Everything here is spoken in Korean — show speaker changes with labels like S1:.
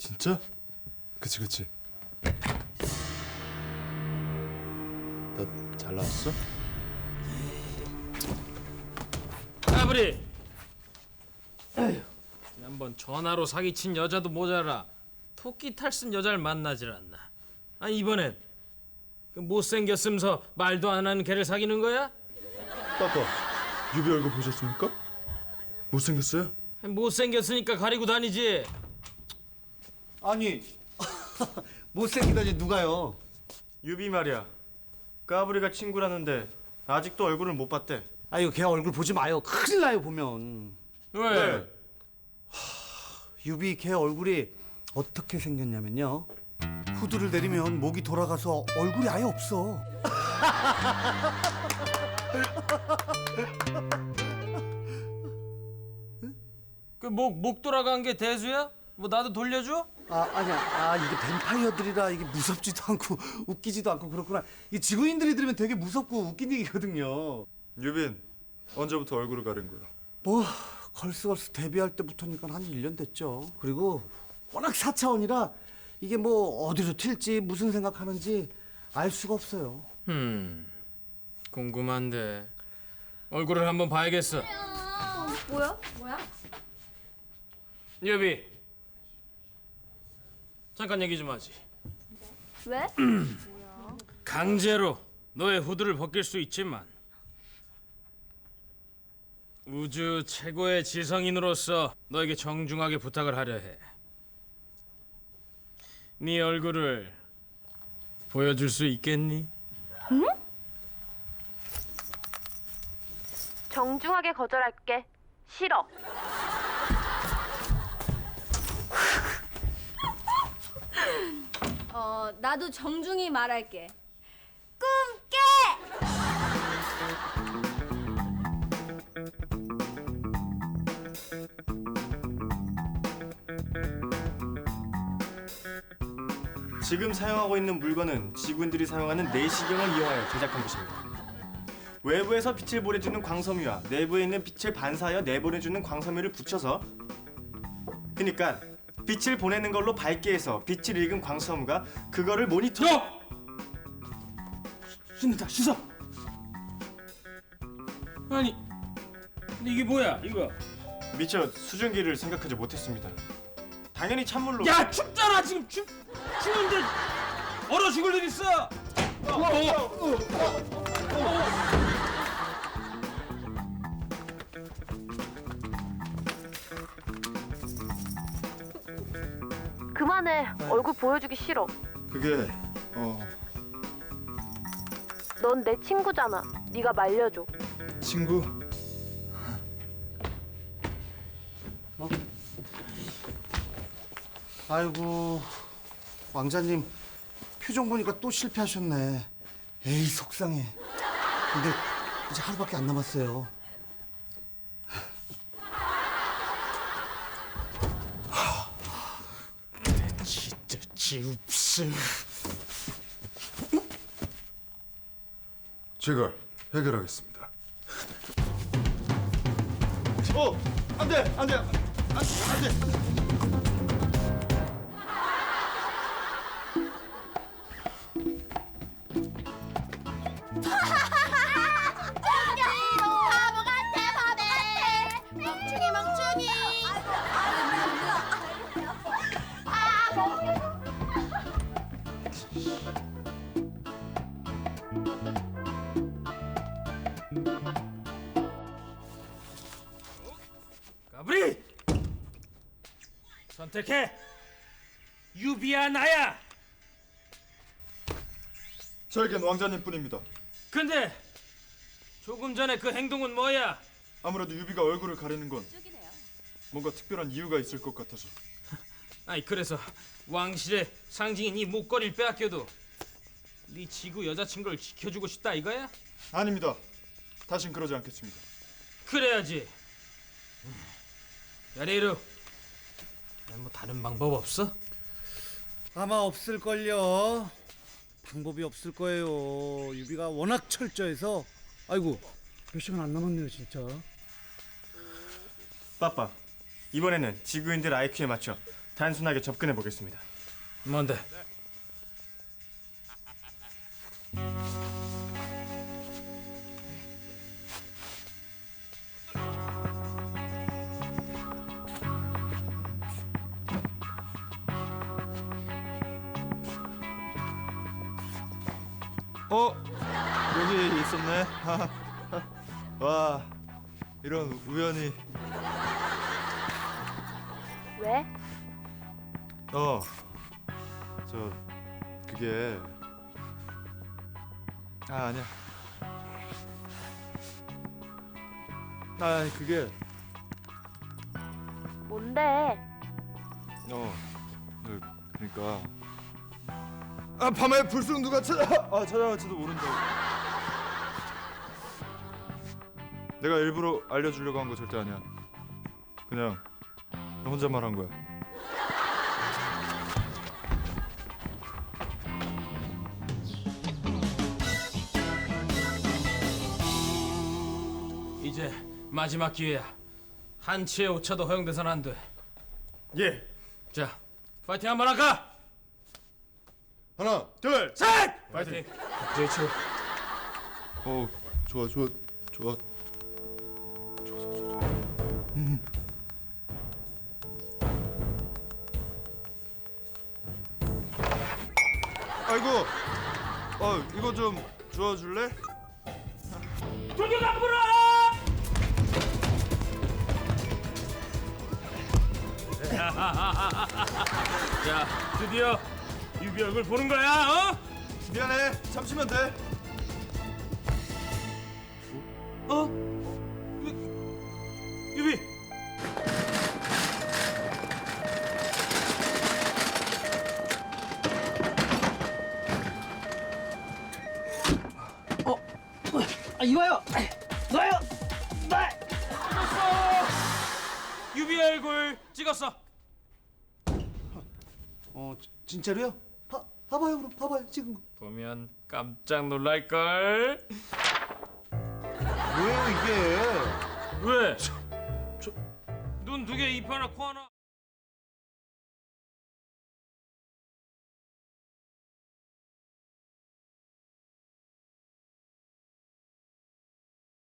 S1: 진짜? 그치. 나 잘 나왔어?
S2: 까불이. 한번 전화로 사기친 여자도 모자라 토끼 탈 쓴 여자를 만나질 않나. 아니 이번엔 그 못생겼으면서 말도 안 하는 걔를 사귀는 거야?
S1: 빠빠, 유비 얼굴 보셨습니까? 못생겼어요?
S2: 못생겼으니까 가리고 다니지.
S3: 아니 못생기다니 누가요?
S4: 유비 말이야. 까불이가 친구라는데 아직도 얼굴을 못 봤대.
S3: 아유 걔 얼굴 보지 마요. 큰일 나요 보면.
S2: 왜?
S3: 유비 걔 얼굴이 어떻게 생겼냐면요. 후드를 내리면 목이 돌아가서 얼굴이 아예 없어.
S2: 그 목 돌아간 게 대수야? 뭐 나도 돌려줘?
S3: 아니야. 이게 뱀파이어들이라 이게 무섭지도 않고 웃기지도 않고 그렇구나. 이 지구인들이 들으면 되게 무섭고 웃긴 얘기거든요.
S1: 유빈, 언제부터 얼굴을 가린 거야?
S3: 뭐 걸스걸스 데뷔할 때부터니까 한 1년 됐죠. 그리고 워낙 4차원이라 이게 뭐 어디로 튈지 무슨 생각하는지 알 수가 없어요.
S2: 궁금한데 얼굴을 한번 봐야겠어.
S5: 뭐야?
S2: 여비 잠깐 얘기 좀 하지.
S5: 왜?
S2: 강제로 너의 후드를 벗길 수 있지만 우주 최고의 지성인으로서 너에게 정중하게 부탁을 하려 해. 네 얼굴을 보여줄 수 있겠니?
S5: 정중하게 거절할게. 싫어.
S6: 나도 정중히 말할게. 꿈깨!
S4: 지금 사용하고 있는 물건은 지구인들이 사용하는 내시경을 이용하여 제작한 것입니다. 외부에서 빛을 보내주는 광섬유와 내부에 있는 빛을 반사하여 내보내주는 광섬유를 붙여서, 그러니까 빛을 보내는 걸로 밝게 해서 빛을 읽은 광섬유가 그거를 모니터.
S2: 씻는다 씻어. 아니 이게 뭐야 이거?
S4: 미처 수증기를 생각하지 못했습니다. 당연히 찬물로.
S2: 야 춥잖아 지금 추운데 얼어 죽을 일 있어.
S5: 그만해. 얼굴 보여주기 싫어.
S1: 그게
S5: 넌 내 친구잖아. 네가 말려줘.
S1: 친구?
S3: 아이고 왕자님 표정 보니까 또 실패하셨네. 에이 속상해. 근데 이제 하루밖에 안 남았어요.
S2: 진짜 지웁스.
S1: 제가 해결하겠습니다.
S4: 안 돼.
S2: 가브리 선택해. 유비야 나야.
S1: 저에겐 왕자님뿐입니다.
S2: 근데 조금 전에 그 행동은 뭐야?
S1: 아무래도 유비가 얼굴을 가리는 건 뭔가 특별한 이유가 있을 것 같아서.
S2: 아니 그래서 왕실의 상징인 이 목걸이를 빼앗겨도 네 지구 여자친구를 지켜주고 싶다 이거야?
S1: 아닙니다. 다신 그러지 않겠습니다.
S2: 그래야지. 야레이루, 뭐 다른 방법 없어?
S3: 아마 없을걸요. 방법이 없을 거예요. 유비가 워낙 철저해서. 아이고 몇 시간 안 남았네요 진짜.
S4: 빠빠, 이번에는 지구인들 IQ에 맞춰 단순하게 접근해 보겠습니다.
S2: 뭔데?
S1: 여기 있었네. 와, 이런 우연히.
S5: 왜?
S1: 그게 아니야. 그게
S5: 뭔데?
S1: 그러니까 밤에 불쑥 누가 찾아갈지도 모른다고. 내가 일부러 알려주려고 한 거 절대 아니야. 그냥 혼자 말한 거야.
S2: 이제 마지막 기회야. 한치의 오차도 허용돼선 안 돼.
S4: 예.
S2: 자, 파이팅 한번 할까?
S1: 하나,
S4: 둘,
S2: 셋! 파이팅. 제이츠.
S1: 좋아. 아이고, 이거 좀 주워줄래?
S2: 돌격 안 불어! 자, 드디어 유비 얼굴 보는 거야, 어?
S1: 미안해, 참치면 돼.
S2: 유비.
S3: 이봐요. 놔요.
S2: 유비 얼굴 찍었어.
S3: 진짜로요? 봐봐요 그럼 봐봐요 지금.
S2: 보면 깜짝 놀랄 걸.
S3: 뭐예요 이게?
S2: 왜? 눈 두 개, 입 하나, 코 하나.